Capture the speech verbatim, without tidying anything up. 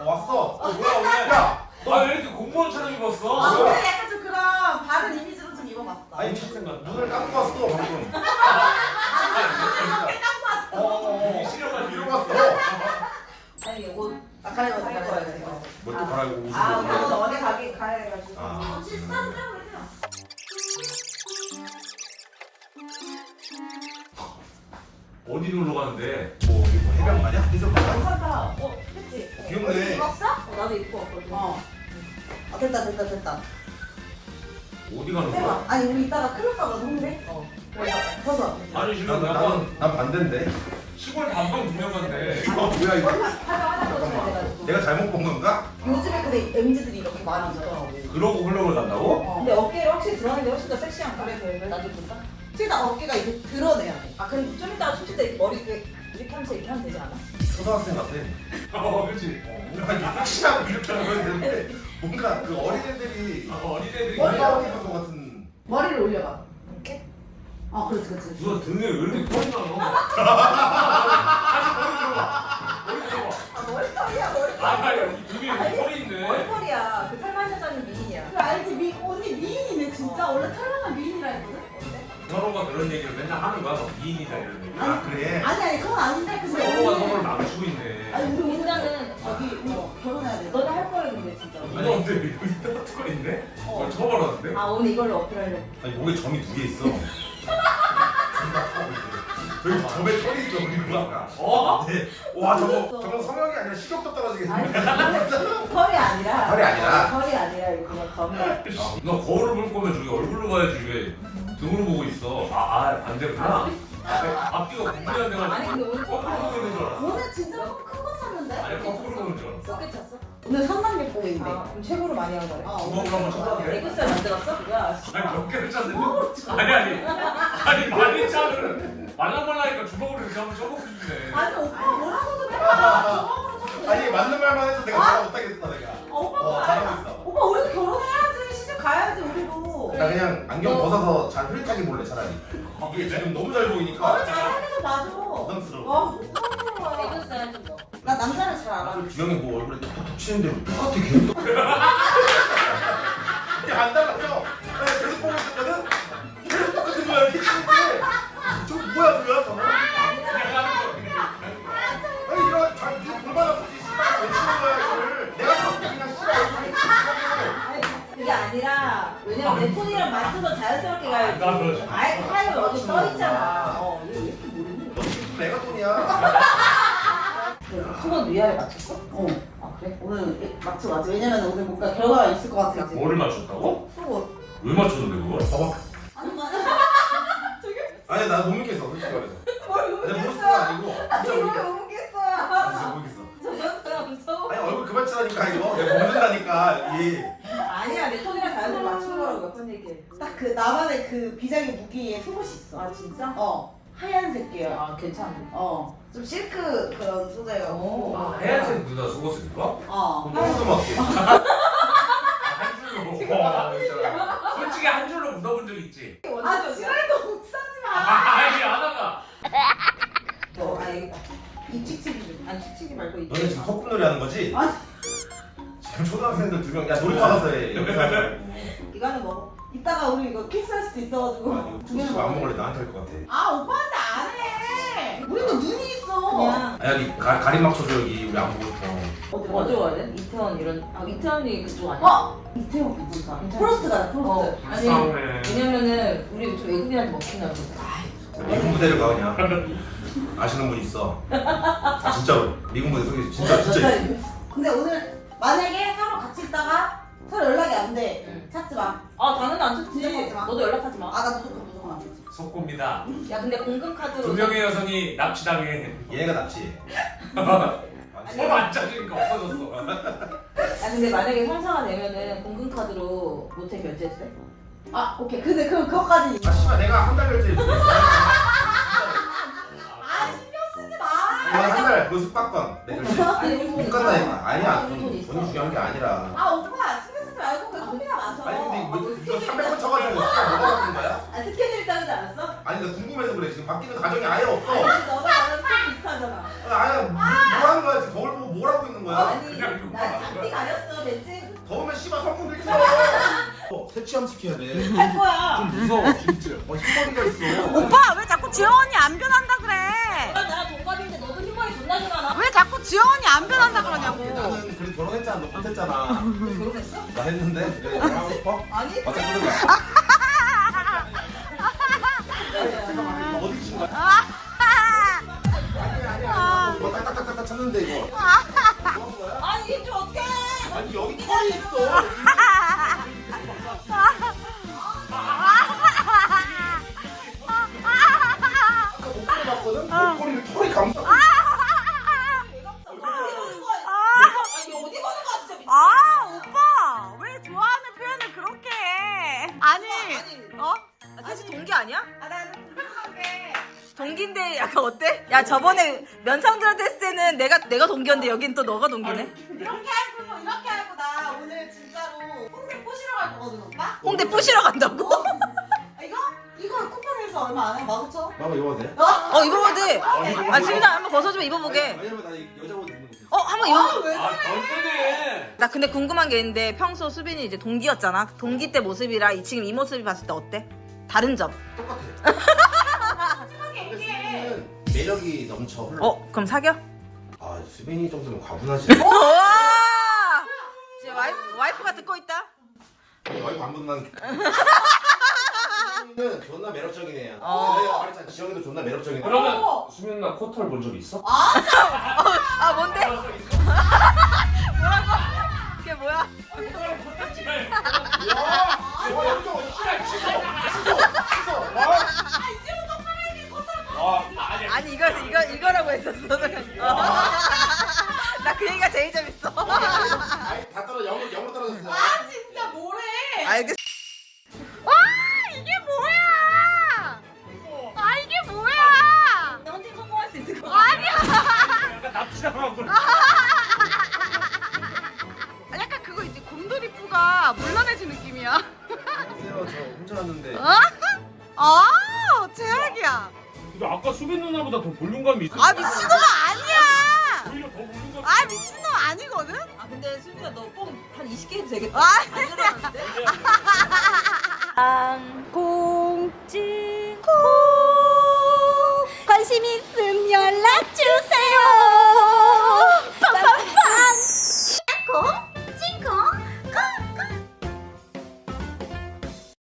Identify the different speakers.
Speaker 1: 왔어. 어, 뭐야 오늘? 야,
Speaker 2: 아 왜 이렇게 공무원처럼 입었어?
Speaker 3: 아
Speaker 1: 뭐야?
Speaker 3: 오늘 약간 좀 그런 다른 이미지로 좀 입어봤어.
Speaker 1: 아니 눈을 감고 왔어 방금.
Speaker 3: 이렇게 딱 봤어.
Speaker 1: 어, 어, 어.
Speaker 2: 시력을
Speaker 1: 이러고
Speaker 2: 이러고
Speaker 1: 왔어.
Speaker 3: 아니 옷 아, 갈아입어서 갈아입어야 돼.
Speaker 1: 뭘또 갈아입고 옷을
Speaker 3: 아
Speaker 1: 벗어?
Speaker 3: 오늘 어디 가기 가야 해가지고.
Speaker 1: 아.
Speaker 3: 혹시 스타트 빼고 계세요?
Speaker 2: 어디 놀러 가는데?
Speaker 1: 뭐 여기 뭐 해변 가냐? 해변 가냐?
Speaker 3: 괜찮다. 어, 그치?
Speaker 1: 귀엽네.
Speaker 3: 입었어? 어, 나도 입고 왔거든. 어. 아, 됐다, 됐다, 됐다.
Speaker 2: 어디 가는
Speaker 3: 해봐.
Speaker 2: 거야?
Speaker 3: 아니, 우리 이따가 클럽 가서 노는데? 어. 그래서, 벗어.
Speaker 2: 아니 지금
Speaker 1: 난,
Speaker 2: 약간
Speaker 1: 난, 난 반대인데.
Speaker 2: 시골 단방 두 명 간대.
Speaker 1: 이거 뭐야 이거?
Speaker 3: 하자, 하자, 벗어야 돼가지고.
Speaker 1: 내가 잘못 본 건가?
Speaker 3: 요즘에 근데 엠지들이 이렇게 많이 입더라고.
Speaker 2: 그러고 흘러를 간다고?
Speaker 3: 어. 근데 어깨를 확실히 드러내는 게 훨씬 더 섹시한 거래, 그래. 나도 볼까? 진짜 어깨가 이제 드러내야 돼. 아, 그럼 좀 이따가 춤출 때 머리 이렇게, 이렇게 하면서 이렇게 하면 되지 않아?
Speaker 1: 초등학생 같아.
Speaker 2: 어 그렇지.
Speaker 1: 뭔가 이게 섹시하고 이렇게 하면 되는데 뭔가 그 어린애들이
Speaker 2: 아, 어린애들이
Speaker 3: 머리
Speaker 1: 머리가 입은 것 같은.
Speaker 3: 머리를 올려봐. 이렇게? 어, 그렇지, 그렇지.
Speaker 2: 누나 등에 왜 이렇게 털이 나노? 다시 머리 들어봐. 머리 들어봐.
Speaker 3: 아, 머리털이야, 머리털.
Speaker 2: 아 아니 이 등에 이렇게 털이 있네.
Speaker 3: 머리털이야. 그 털만 하자는 미인이야. 그래, 알지? 미, 언니 미인이네, 진짜.
Speaker 2: 어.
Speaker 3: 원래 털만한 미인이라 했거든? 어때?
Speaker 2: 서로가 그런 얘기를 맨날 하는 거야. 막 미인이다 이런 얘기.
Speaker 1: 아 그래?
Speaker 3: 아니, 아니, 그건 아닌데. 근데
Speaker 2: 서로가
Speaker 3: 오늘-
Speaker 2: 서로를 망치고 있네.
Speaker 3: 아니, 우리 민자는 저기 뭐 결혼해야 돼. 너는 할 거야, 근데 진짜.
Speaker 2: 누나 근데 여기 따뜻가 있네?
Speaker 3: 어.
Speaker 2: 그걸 처음 알았는데?
Speaker 3: 아, 오늘 이걸로 어필하려고.
Speaker 1: 아니 목에 점이 두 개 있어. 여기 점에 털이 있어 우리 누나가.
Speaker 2: 어?
Speaker 1: 네. 와 저거 저거 성형이 아니라 식욕도 떨어지겠는데.
Speaker 3: 털이 아니라.
Speaker 1: 털이 아니라?
Speaker 3: 어, 털이 아니라, 이거 그냥 점이야.
Speaker 2: 너 거울을 볼 거면 저기 얼굴로 봐야지 왜 등으로 보고 있어. 아, 아 반대구나. 앞뒤가 구분이 안 돼가지고
Speaker 3: 아니, 근데 오늘
Speaker 2: 거꾸로 보고 있는 줄 알았어.
Speaker 3: 오늘 진짜 큰 거 찼는데?
Speaker 2: 아니 거꾸로 보는 줄 알았어.
Speaker 3: 몇개 찼어? 오늘 삼만 개 인데 아, 그럼 최고로 많이 한 거래. 아,
Speaker 2: 주먹으로 한번 쳐볼게.
Speaker 3: 애교살 만들었어? 뭐야?
Speaker 2: 아니 몇 개를 짰는데? 아니 아니 아니 많이 짜는 말랑말랑하니까 주먹으로 이렇게 한번 쳐보고 싶네.
Speaker 3: 아니, 오빠 뭐라고 좀 해봐.
Speaker 1: 아니 맞는 말만 해서 내가 말 못하겠어 내가.
Speaker 3: 아, 오빠
Speaker 1: 어
Speaker 3: 뭐
Speaker 1: 잘하고
Speaker 3: 알아?
Speaker 1: 있어.
Speaker 3: 오빠 우리도 결혼해야지. 시집 가야지 우리도.
Speaker 1: 나 그냥 안경 벗어서 잘 흐릿하게 볼래 차라리. 이게 지금 너무 잘 보이니까.
Speaker 3: 너는 잘하면서 봐줘.
Speaker 1: 부담스러워.
Speaker 3: 와, 부끄러워. 애교살 좀 넣어. 나 남자를 잘 알아.
Speaker 1: 주영이 뭐 얼굴에 톡톡 치는데 똑같아 계속. 이게 안 달라져. 나 계속 보고 있었거든. 계속 똑같은 거야 이렇게 치는데. 저 뭐야 뭐야 저거?
Speaker 2: 그냥 하는 거 그냥.
Speaker 1: 아니 이런 자 이거 골반 아프지 씨발 왜 치는 거야 이거를? 내가 저렇게 그냥 씨발 얼굴에 치는
Speaker 3: 그게 아니라 왜냐면 내 톤이랑 맞춰서 자연스럽게 가야지.
Speaker 2: 나 그러지.
Speaker 3: 아예 하얘 어디
Speaker 1: 아,
Speaker 3: 떠 있잖아.
Speaker 1: 진짜.
Speaker 3: 어, 얘 왜 이렇게 모르니?
Speaker 1: 너 지금 내가 돈이야.
Speaker 3: 수건 위아래 맞췄어? 어. 아 그래? 오늘 맞춰 맞지. 왜냐면 오늘 뭔가 결과가 있을 것 같아. 이제.
Speaker 2: 뭐를 맞췄다고?
Speaker 3: 수건.
Speaker 2: 왜 맞췄는데 그걸?
Speaker 1: 봐봐.
Speaker 3: 아니 맞아. 저게
Speaker 1: 아니 나 못 믿겠어 솔직히 말해서.
Speaker 3: 뭘
Speaker 1: 내가 모르는 거
Speaker 3: 모르겠어.
Speaker 1: 아니고
Speaker 3: 아니
Speaker 1: 진짜
Speaker 3: 이걸
Speaker 1: 모르겠어.
Speaker 3: 못 먹겠어요.
Speaker 1: 아, 진짜 모르겠어.
Speaker 3: 저 사람 무서워.
Speaker 1: 아니 얼굴 그만 치라니까 이거 내가 먹는다니까 이.
Speaker 3: 아니야 내 톤이랑 자연스럽게 맞춘 거라고 몇 번 얘기해. 딱 그 나만의 그 비장의 무기에 속옷이 있어. 아 진짜? 어. 하얀색 계열. 아 괜찮은데. 어. 좀 실크 그런 소재여고.
Speaker 2: 아, 하얀색 누나 속옷을 입어?
Speaker 3: 어.
Speaker 1: 너무 맞게.
Speaker 2: 한 줄로. 솔직히 한 줄로 묻어본 적 있지?
Speaker 3: 아 지랄도 못 사지 마.
Speaker 2: 아, 아니 안 하가.
Speaker 3: 어, 아 여기다. 이 칙칙이. 아니 칙칙이 말고 이.
Speaker 1: 너네 지금 소꿉놀이 하는 거지?
Speaker 3: 아
Speaker 1: 지금 초등학생들 두 명. 야 놀이터 가서 해. 여기서 하지 말고.
Speaker 3: 이거는 먹어. 이따가 우리 이거 키스할 수도 있어가지고.
Speaker 1: 아, 이거 중식 안 먹을래 나한테 할 것 같아.
Speaker 3: 아 오빠한테 안 해. 우리도 눈이 있어. 그냥.
Speaker 1: 아 여기 가, 가림 맞춰줘 여기 우리 안 보고 싶어.
Speaker 4: 어디 어디 가야 돼? 이태원 이런 아 이태원이 그쪽 아니야?
Speaker 3: 어 이태원 괜찮다. 프로스트가 프로스트.
Speaker 4: 어 아니
Speaker 2: 싸우네.
Speaker 4: 왜냐면은 우리 좀 외국인한테 먹힌다 그러고
Speaker 1: 미군 부대를 가 그냥. 아시는 분 있어. 아 진짜로 미군 부대 소개 진짜 진짜 있어.
Speaker 3: 근데 오늘 만약에 서로 같이 있다가 서로 연락이 안 돼.
Speaker 4: 응.
Speaker 3: 찾지 마.
Speaker 4: 아 당연히 안
Speaker 3: 진짜
Speaker 4: 찾지
Speaker 3: 찾지 마.
Speaker 4: 너도 연락하지 마야
Speaker 3: 아 나 무조건 무조건 안 찾지.
Speaker 2: 속고입니다.
Speaker 4: 근데 공금카드로
Speaker 2: 두 명의 여성이 납치당해.
Speaker 1: 얘가 납치.
Speaker 2: 서로 안 짜주니까 없어졌어.
Speaker 4: 아 근데 만약에 형사가 되면은 공금카드로 모텔 결제해도 돼?
Speaker 3: 아 오케이. 근데 그럼 그거까지.
Speaker 1: 아 씨발 내가 한 달 결제.
Speaker 3: 아 신경 쓰지 마.
Speaker 1: 한달 그 숙박권 내 결제.
Speaker 4: 아니 우리 돈
Speaker 1: 못
Speaker 4: 있어.
Speaker 1: 간다니까. 아니야
Speaker 4: 아,
Speaker 1: 돈,
Speaker 4: 우리 돈 있어.
Speaker 1: 돈이 중요한 게 아니라.
Speaker 3: 아 오빠 신경 쓰지 말고 그냥 커피나 마셔.
Speaker 1: 아니 근데 뭐 이거 삼백 원 쳐가지고 뭐가 바뀌는 거야?
Speaker 3: 아 스케줄 따르지 않았어?
Speaker 1: 아니 나 궁금해서 그래 지금 바뀌는 가정이 아예 없어.
Speaker 3: 아니 너가 나랑 좀 비슷하잖아.
Speaker 1: 아니 뭐 하는 거야 지금 거울 보고 뭘 하고 있는 거야?
Speaker 3: 아니
Speaker 2: 그냥 이거
Speaker 3: 나
Speaker 1: 흰머리한테 취함시켜야 돼.
Speaker 3: 할 거야.
Speaker 1: 좀 무서워 진짜. 어 흰머리가 있어.
Speaker 5: 오빠 왜 자꾸 지영 언니 안 변한다 그래?
Speaker 4: 너랑 나랑 동갑인데 너도 흰머리 존나 좋아하나?
Speaker 5: 왜 자꾸 지영 언니 안 변한다 그러냐고.
Speaker 1: 나는 그래도 결혼했잖아. 너 못했잖아.
Speaker 3: 결혼했어?
Speaker 1: 나 했는데. 왜 나랑 하고 싶어?
Speaker 3: 아니.
Speaker 1: 맞아 그러자. 잠깐만 이거 어디 친 거야? 아니 아니 아니. 이거 딱딱딱딱 쳤는데 이거. 뭐 하는 거야?
Speaker 3: 아니 이게 좀 어떡해.
Speaker 1: 아니 여기 털이 있어. 아까 목걸이 봤거든? 목걸이를 털이 감싸.
Speaker 3: 아니 어디 보는 거야 진짜.
Speaker 5: 아 오빠 왜 좋아하는 표현을 그렇게 해? 아니 어?
Speaker 4: 아, 사실 동기 아니야?
Speaker 3: 아 나는 불편하게.
Speaker 4: 동기인데 약간 어때? 야 저번에 면상들한테 했을 때는 내가 내가 동기였는데 여긴 또 너가 동기네.
Speaker 3: 이렇게 하고 뭐 이렇게 하고 나 오늘 진짜로 홍대 꼬시러 갈 거거든 오빠.
Speaker 4: 홍대 뿌시러 간다고?
Speaker 3: 아, 이거? 이거 쿠팡에서 얼마 안 해? 만 오천 원?
Speaker 1: 봐봐 입어도 돼?
Speaker 4: 어 입어봐도 돼. 아 지민아 한번 벗어주면 입어보게.
Speaker 1: 왜냐면 나 여자 옷 입는 거
Speaker 4: 어 한번 입어.
Speaker 3: 왜
Speaker 2: 아 덜뜨네.
Speaker 4: 나 근데 궁금한 게 있는데 평소 수빈이 이제 동기였잖아. 동기 때 모습이랑 이 지금 이 모습이 봤을 때 어때? 다른 점.
Speaker 1: 똑같아.
Speaker 3: 심하게
Speaker 1: 근데
Speaker 3: 얘기해.
Speaker 1: 수빈이는 매력이 넘쳐 흘러.
Speaker 4: 어 그럼 사겨?
Speaker 1: 아 수빈이 정도면 과분하지.
Speaker 4: 우와! 이제 와이프, 와이프가 듣고 있다.
Speaker 1: 와이프 안 붙는. 수빈이는 존나 매력적인 애야.
Speaker 4: 어.
Speaker 1: 내가 말했잖아 지영이도 존나 매력적인 애야.
Speaker 2: 그러면 수민 누나 코털 본 적 있어?
Speaker 4: 아 뭔데? 뭐라고? 그게 뭐야?
Speaker 1: 와, 와 여기가 어디 씨발 씻어, 씻어, 씻어. 와.
Speaker 2: 아 아니
Speaker 4: 아니 이거 이거 이거라고 했었어. 나 그 얘기가 제일 재밌어.
Speaker 1: 아니 다 떨어 영어 영어 떨어졌어.
Speaker 3: 아 진짜 뭐래.
Speaker 4: 알겠어.
Speaker 5: 와 이게 뭐야? 아 이게 뭐야?
Speaker 4: 헌팅 성공할 수 있을 것 같아.
Speaker 5: 아니야.
Speaker 2: 약간 납치당하고 그래.
Speaker 5: 아, 약간 그거 이제 곰돌이푸가 물러내지 느낌이야.
Speaker 1: 안녕하세요. 저 혼자 왔는데.
Speaker 5: 어? 아 최악이야.
Speaker 2: 근데 아까 수빈 누나보다 더 볼륨감이 있어.
Speaker 5: 아 미친놈 아니야.
Speaker 2: 오히려 더 볼륨감.
Speaker 5: 아 미친놈 아니거든.
Speaker 4: 아 근데 수빈아 너 뽕 한 이십 개 해도 되겠다.
Speaker 5: 아
Speaker 4: 안 들어갔는데?
Speaker 5: 공지 관심 있음 연락 주세요.